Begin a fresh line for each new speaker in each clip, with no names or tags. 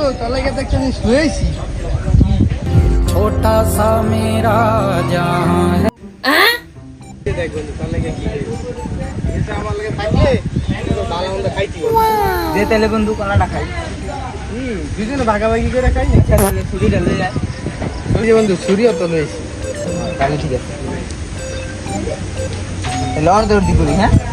তাহলে কি একটা জিনিস লইছি
छोटा सा मेरा जहां है
দেখ বন্ধু তাহলে কি এটা আমার লাগে থাকলে তো ভালো মন্দ খাইতি
दे तेले बंधु कोलाटा खाई
দুজনে ভাগাভাগি করে খাই না
छुरी डाले जाए
ওই যে বন্ধু ছুরিও তো লইছি
তাহলে ঠিক আছে লড় দৌড় দি করি হ্যাঁ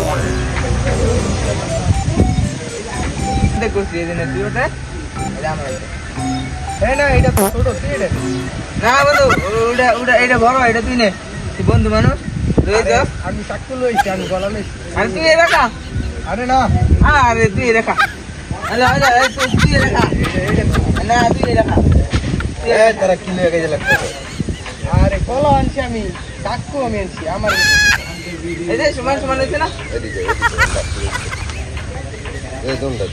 দেখো এই দিনে তুই ওটা এটা আমরা
এই না এটা তো ছোট তুই এটা
না বন্ধু ওটা ওটা এটা বড় এটা তুই নে তুই বন্ধু মানুষ তুই তো
আমি চাকু লইছি আমি গলা লইছি
আর তুই এ রাখা
আরে না
আরে তুই এ রাখা আরে আরে তুই এ রাখা না তুই এ রাখা
এ তারা কি লয়ে গেছে লাগছে আরে কলা আনছি আমি চাকু আমি আনছি আমার
এই যে সমান সমান হইছে না
এই দোনটা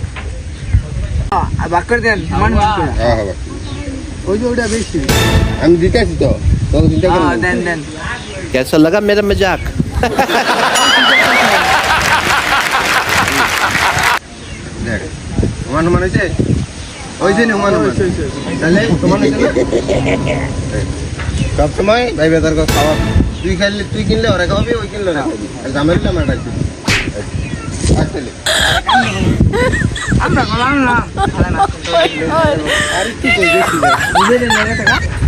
বাক করে দেন সমান সমান
হ্যাঁ হ্যাঁ
ওই যে ওটা বেশি
আমি দিতেছি তো তোকে চিন্তা করো
হ্যাঁ দেন দেন
कैसा लगा मेरा मजाक
দেখ সমান সমান হয়েছে ওই যে সমান সমান তাহলে সমান হয়েছে না সব সময় ভাই বেতার খাওয়া তুই খাইলে তুই কিনলে ওরা খাওয়াবি ওই কিনলে ওরা খাওয়াবি আর জামাইলে আমার ডাকবি আসলে
আমরা গলাম না
আর কি কই বেশি
বুঝে দেন টাকা